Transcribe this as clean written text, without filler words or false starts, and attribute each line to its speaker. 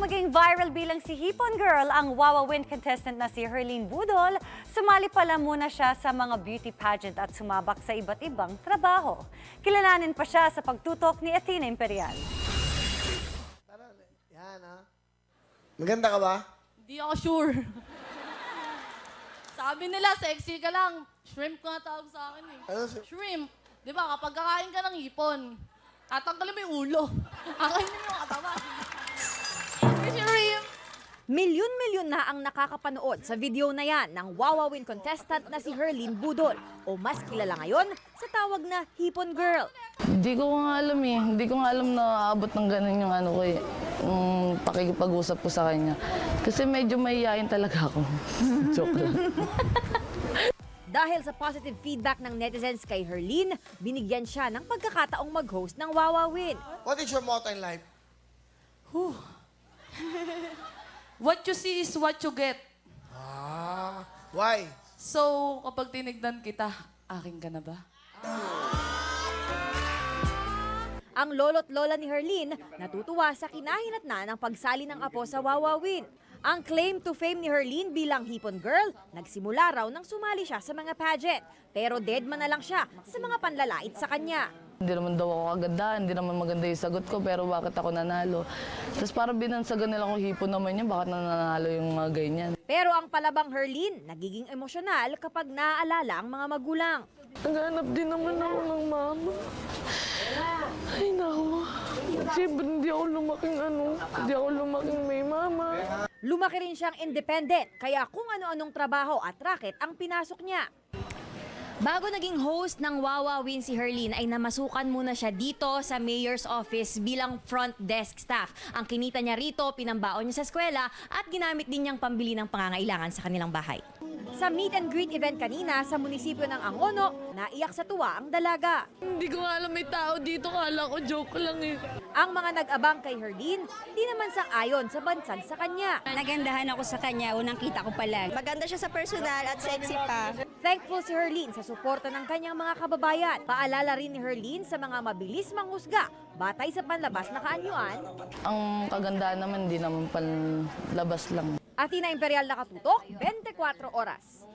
Speaker 1: maging viral bilang si Hipon Girl, ang Wawa Win contestant na si Herline Budol, sumali pala muna siya sa mga beauty pageant at sumabak sa iba't ibang trabaho. Kilalanin pa siya sa pagtutok ni Athena Imperial.
Speaker 2: Yan, ha? Maganda ka ba?
Speaker 3: Hindi ako sure. Sabi nila, sexy ka lang. Shrimp nga tawag sa akin eh.
Speaker 2: Ano?
Speaker 3: Shrimp. Di ba, kapag kakain ka ng hipon, tatanggalin mo yung ulo. Akainin mo yung katawan. Shrimp!
Speaker 4: Milyon-milyon na ang nakakapanood sa video na yan ng Wawa Win contestant na si Herline Budol o mas kilala ngayon sa tawag na Hipon Girl.
Speaker 5: Hindi ko nga alam eh. Hindi ko nga alam na aabot ng ganun yung ano ko eh. Pakikipag-usap ko sa kanya. Kasi medyo mahihayin talaga ako. Joke lang.
Speaker 4: Dahil sa positive feedback ng netizens kay Herline, binigyan siya ng pagkakataong mag-host ng Wawa Win.
Speaker 2: What is your motto in life?
Speaker 3: What you see is what you get.
Speaker 2: Ah, why?
Speaker 3: So, kapag tinignan kita, akin ka na ba?
Speaker 4: Ang lolo't lola ni Herline natutuwa sa kinahinatnan ng pagsali ng apo sa Wawa Win. Ang claim to fame ni Herline bilang Hipon Girl, nagsimula raw nang sumali siya sa mga pageant. Pero deadman na lang siya sa mga panlalait sa kanya.
Speaker 5: Hindi naman daw ako kagandahan, hindi naman maganda yung sagot ko, pero bakit ako nanalo? Tapos parang binansagan nila ko hipon naman yan, bakit nanalo yung mga ganyan?
Speaker 4: Pero ang palabang Herline, nagiging emosyonal kapag naaalala ang mga magulang.
Speaker 5: Naghanap din naman ako ng mama. Ay naku, siyempre hindi ako lumaking may mama.
Speaker 4: Lumaki rin siyang independent, kaya kung ano-anong trabaho at racket ang pinasok niya. Bago naging host ng Wawa Win si Herline ay namasukan muna siya dito sa mayor's office bilang front desk staff. Ang kinita niya rito, pinambaon niya sa eskwela at ginamit din niyang pambili ng pangangailangan sa kanilang bahay. Sa meet and greet event kanina sa munisipyo ng Angono, naiyak sa tuwa ang dalaga.
Speaker 5: Hindi ko nga alam may tao dito, kala ko joke lang eh.
Speaker 4: Ang mga nag-abang kay Herline, di naman sang-ayon sa bansag sa kanya.
Speaker 6: Nagandahan ako sa kanya, unang kita ko pa lang. Maganda siya sa personal at sexy pa.
Speaker 4: Thankful si Herline sa suporta ng kanyang mga kababayan. Paalala rin ni Herline sa mga mabilis manghusga batay sa panlabas na kaanyuan.
Speaker 5: Ang kagandahan naman, hindi naman panlabas lang.
Speaker 4: Athena Imperial nakatutok, 24 oras.